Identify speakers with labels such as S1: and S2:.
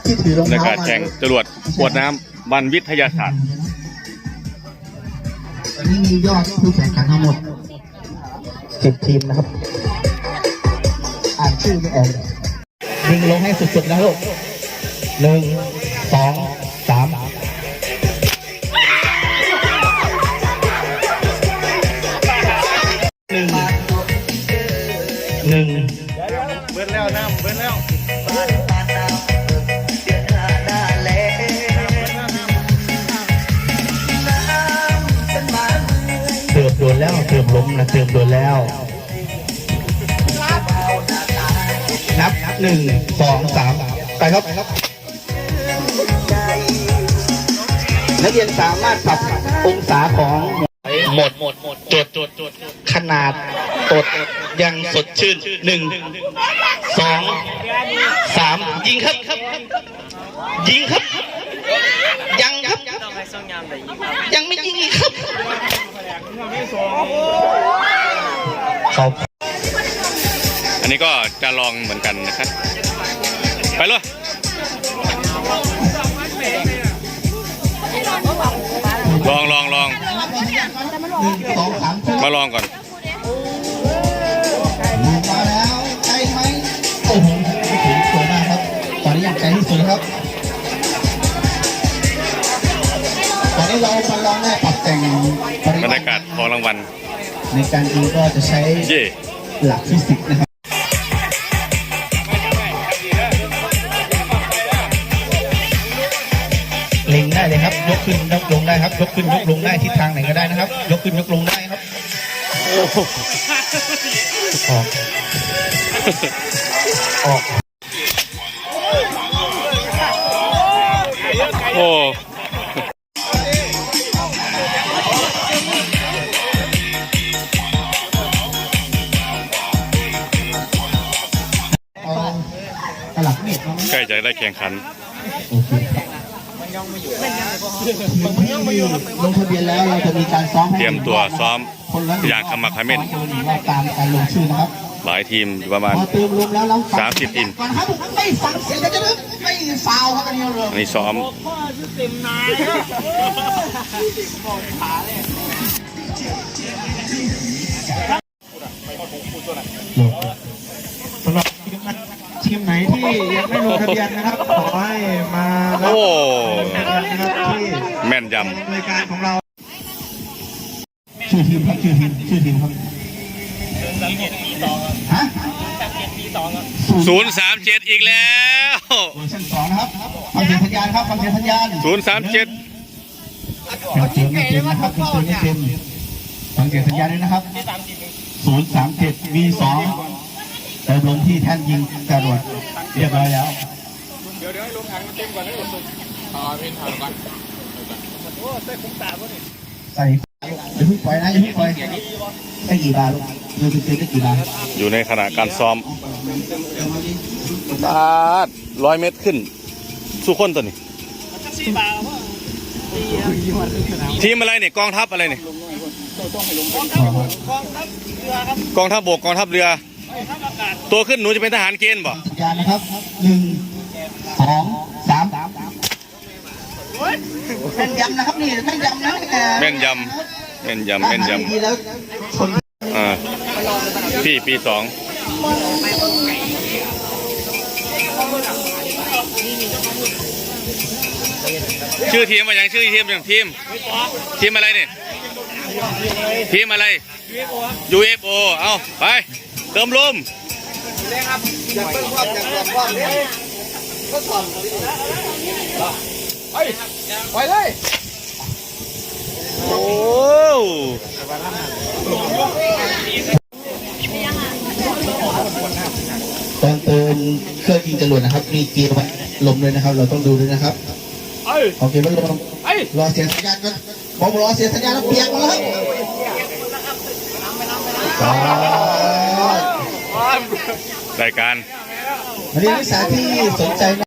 S1: ที่ถือรอง
S2: ใน
S1: เท้า
S2: การแข่งจรวดขวดน้ำวันวิทยาศาสตร์
S1: ตอนนี้มียอดผู้แข่งขันทั้งหมด10 ทีมนะครับอ่านชื่อไม่ออกยิงลงให้สุดๆนะลูก1 2 3หนึ่ง
S2: เบิ้ลแล้วน้ำเบิ้ลแล้ว
S1: เติมโดนแล้วเติมล้มนะเติมโดนแล้วนับ1 2 3ไปครับนักเรียนสามารถปรับองศาของหมดจดขนาดตดยังสดชื่น1 2 3ยิงครับยิงครับยังครับยังไม่ยิงอีกครับ
S2: อันนี้ก็จะลองเหมือนกันนะครับไปเลยลองมาลองก่อน
S1: มาแล้วใจไหมโอ้โหสวยมากครับตอนนี้อยากใจที่สุดครับตอนนี้เรามาลองได้ปรับแต่ง
S2: บรรยากาศของรางวัล
S1: ในการยิงก็จะใช้หลักฟิสิกส์นะครับเล็งได้เลยครับยกขึ้นยกลงได้ครับยกขึ้นยกลงได้ทิศทางไหนก็ได้นะครับยกขึ้นยกลงได้ครับออก
S2: โอ้ใกล้จะได้แข่งขัน
S1: ลงทะเบียนแล้วเราจะมีการซ้อม
S2: เตรียมตัวซ้อมอย่างขมักเขม้น
S1: ตามการลงชื่อนะครับ
S2: หลายทีมประมาณ30 ทีม
S1: ไม่ฟังเสียงจะไม่ฟาวครับ
S2: อันนี้ซ้อม
S1: สำหรับทีมไหนที่ยังไม่ลงทะเบียนนะครับขอให้มารับนะครับที่
S2: แม่นยำ
S1: รายการของเราชื่อทีมครับชื่อทีมครับฮะ
S2: 037อีกแล้ว
S1: เวอร์ชัน2นะครับฟังเสียงสัญญาณครับฟังเสียงสัญญาณ
S2: 037
S1: ไม่เต็มนะครับไม่เต็มฟังเสียงสัญญาณด้วยนะครับ037 V2เติมลงที่แท่นยิงจรวดเรียบร้อยแล้วเดี๋ยวให้ลงถังเต็มก่อนให้หมดเป็นถังก่อนโอ้ใส่คุ้มตาป่ะนี่ใส่อย่าเพิ่งปล่อยนะอย่าเพิ่งปล่อยได้กี่บาทลูกเติมได้กี่บาท
S2: อยู่ในขณะการซ้อม100 เมตรขึ้นสู้คนตัวนี้ทีมอะไรเนี่ยกองทัพอะไรเนี่ยกองทัพบกกองทัพเรือตัวขึ้นหนูจะเป็นทหารเกณฑ์บ่
S1: ยานะครับ1 2 3แม่นยำนะครับนี่แม่นยำนะ
S2: แม่นยำปี2ชื่อทีมว่าอย่างชื่อทีมอย่างทีมอะไรเนี่ยทีมอะไร UFO เอาไปเติมลม
S1: อยากเป็นความก็สอนไปเลย
S2: โอ้
S1: ตอนเติมเครื่องยิงจรวดนะครับมีเกียร์ลมเลยนะครับเราต้องดูด้วยนะครับโอเคไม่ลงรอเสียงสัญญาณก่อนผมรอเสียงสัญญาณแล้วเปียกมาแล้ว
S2: รายการ
S1: วันนี้นักศึกษาที่สนใจ